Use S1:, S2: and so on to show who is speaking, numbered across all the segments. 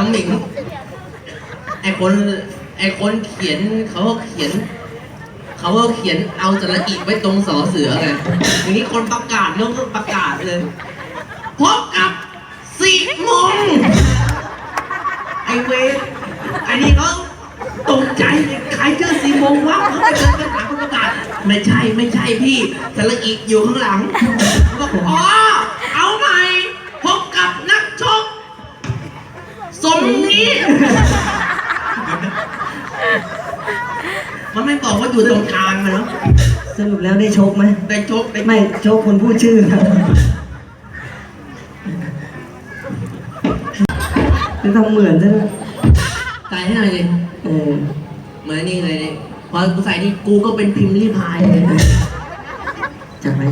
S1: น้องหมิงไอคนเขียนเขาก็เขียนเอาสระอีไว้ตรงสอเสือไงอย่างนี้คนประกาศน้องก็ประกาศเลยพบกับ4 โมงไอเวรไอนี่เขาตกใจใครเจอ4 โมงวะเขาไปเดินไปหาคนประกาศไม่ใช่พี่สระอีอยู่ข้างหลังบอกอ๋อเอาใหม่พบกับนักชกสมนี้มันไม่บอกว่าอยู่ตรงกลางนะเนาะ
S2: สรุปแล้วได้ชกไหม
S1: ได้ชก
S2: ไม่ชกคนพูดชื่อครับจะทำเหมือนใช่ไหม
S1: ใส่ให้หน่อยดิเหมือนนี่เลยนี่พอกูใส่นี่กูก็เป็นพิมพ์รีพายเลย
S2: จับไหม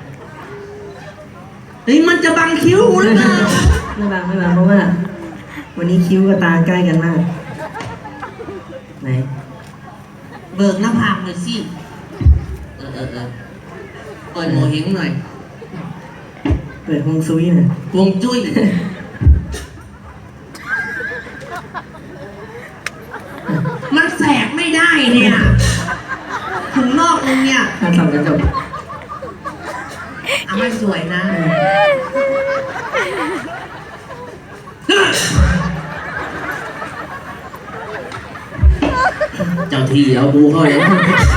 S1: เฮ้ยมันจะบังคิ้วหรือเปล่า
S2: ไม่บังเพราะว่าวันนี้คิ้วกับตาใกล้กันมากไหน
S1: เบิกหน้าผากหน่อยสิเปิดโมเห้งหน่อย
S2: เปิดฮวงซุยหน่อย
S1: ฮวงจุ้ยมันแสกไม่ได้เนี่ยถึงนอกนึงเนี่ย
S2: ถ้าทำจะจบ
S1: ไม่สวยนะเจ้าที่เอาบูเข้าเลย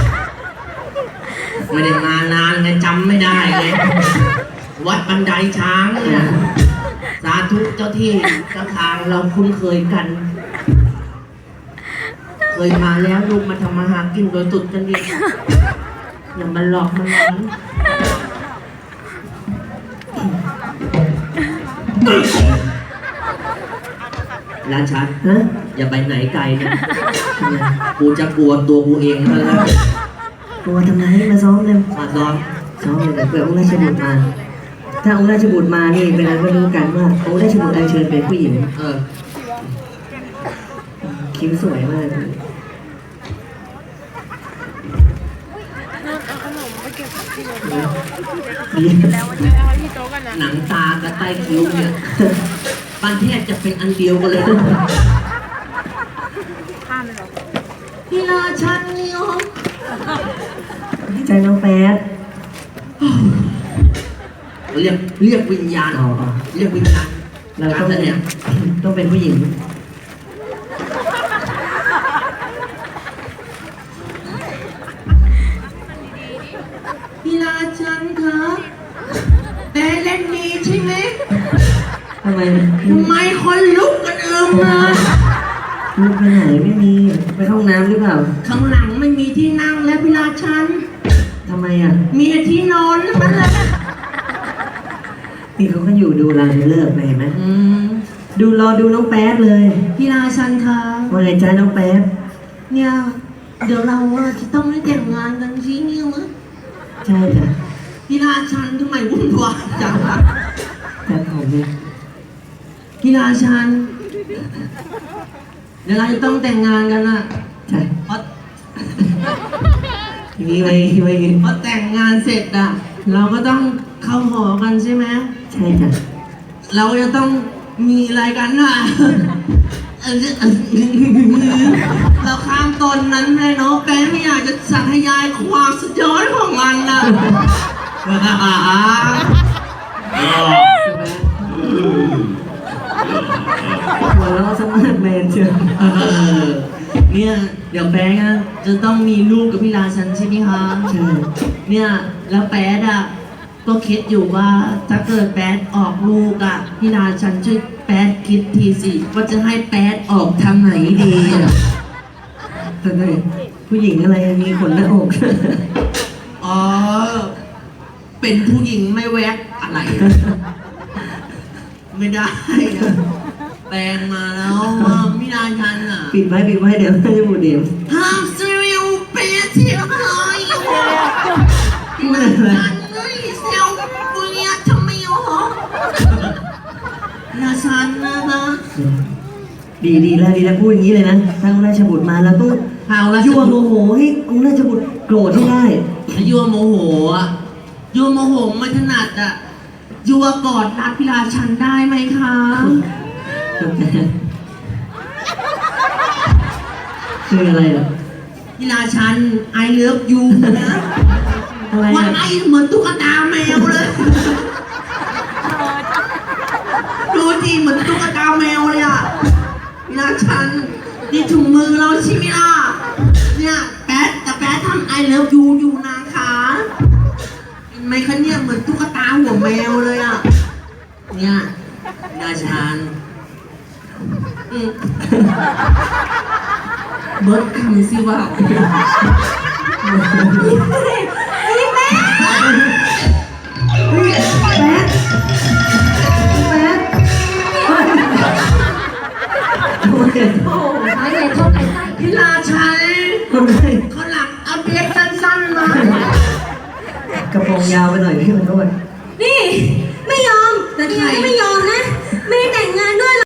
S1: ไม่ได้มานานไงจำไม่ได้ไงวัดบันไดช้างเนี่ยสาธุเจ้าที่เจ้าทางเราคุ้นเคยกันเคยมาแล้วลูกมาทำมาหากินโดยตุดกันดีอย่ามาหลอกมันร้านชัดอย่าไปไหนไกลนะกูจะกลัวตัวกูเองแล้ว
S2: กลัวทำไมมาซ้อมเลย
S1: มาซ้อม
S2: เลยเผื่อองค์ราชบุตรมาถ้าองค์ราชบุตรมานี่เป็นอะไรก็รู้กันว่าองค์ราชบุตรอัญเชิญเป็นผู้หญิงคิ้วสวยมาก
S1: หนังตากับใต้คิ้วเนี่ยปันเทศจะเป็นอันเดียวกันเลยพี่ราชันนี่อ๋อ
S2: ใจน้องแป๊ด
S1: เรียกวิญญาณเรียกวิญญาณ
S2: เราต้องเป็นผู้หญิง
S1: พี่ราชันคะแต่เล่นดีใช่ไหม
S2: ทำไม
S1: คนลุกกันมา
S2: ลุกไปไหนไม่มีไปห้องน้ำหรือเปล่า
S1: ข้างหลังไม่มีที่นั่งแล้วพี่ราชัน
S2: ทำไมอ่ะ
S1: มีที่นอนแล้วมันเลย
S2: นี่เขาก็อยู่ดูรางเลิกเห็นไหมรอดูน้องแป๊ดเลย
S1: พี่ราชันคะ
S2: ว่าไงจ้าน้องแป๊ด
S1: เนี่ยเดี๋ยวเราจะต้องได้แต่งงานกันสิเนี่ยมั้ย
S2: ใช่จ้ะ
S1: พี่ราชันทำไมวุ่นวายจังล่ะ
S2: แต่ผมเนี่ย
S1: พี่ราชันเดี๋ยวเราจะต้องแต่งงานกันนะ
S2: ใช่
S1: เพราะ
S2: ทีนี้ไว้
S1: พอแต่งงานเสร็จอ่ะเราก็ต้องเข้าหอกันใช่ไหม
S2: ใช่จ้ะ
S1: เราจะต้องมีอะไรกันน่ะเราข้ามตอนนั้นเลยเนาะแป๊ะไม่อยากจะสาธยายความสุดยอดของมันนะ
S2: หัวเราะสมัครแมนเชียว
S1: เนี่ยเดี๋ยวแป๊ะจะต้องมีลูกกับพี่ราชันใช่ไหมคะ
S2: ใช่
S1: เนี่ยแล้วแป๊ะก็คิดอยู่ว่าถ้าเกิดแป๊ดออกลูกพี่ราชันช่วยแป๊ดคิดทีสิว่าจะให้แป๊ดออกทางไหนดี
S2: แต่ผู้หญิงอะไรมีขนหน้าอก
S1: อ๋อเป็นผู้หญิงไม่แวกอะไรไม่ได้แปลงมาแล้วพี่ราชัน
S2: ปิดไว้เดี๋ยวจะบูดเดี๋ยว
S1: ห้ามซีเรียลเปียที่หายพี่ราชันราชันนะคะ
S2: ดีแล้วพูดอย่างนี้เลยนะถ้าองค์ราชบุตรมาเราต้องยั่วโมโหให้องค์ราชบุตรโกรธให้ได้
S1: ยั่วโมโหไม่ถนัดยั่วกอดรัดพี่ราชันได้ไหมคะ
S2: คืออะไรอ่ะ
S1: พี่ราชันไอเลิฟยูนะ
S2: อะไร
S1: ว่า
S2: อ่ะ
S1: ไอเหมือนตุ๊กตาแมวเลย ดูดิเหมือนตุ๊กตาแมวเลยอ่ะพี่ราชันนี่ถุงมือเราใช่ไหมล่ะเนี่ยแป๊ดแต่แป๊ดทำไอเลิฟยูอยู่นะคะเห็นไหมคะเนี่ยเหมือนตุ๊กตาหัวแมวเลยอ่ะเนี่ยพี่ราชันเบิร์ดคำสิว่า
S2: เฮ้ยแป๊ดแป๊ดเฮ้ยโอ้ย
S3: โอ้โหไม้ใหญ่เท่าไก่ไส้
S1: พี่ราชัน
S2: ทำไม
S1: เขาหลังเอาเด็กสั้นๆมาก
S2: ระโปรงยาวไปหน่อยพี่ขอโทษ
S3: นี่ ไม่ยอมแต่ใครไม่ยอมนะ ไม่ได้แต่งงานด้วย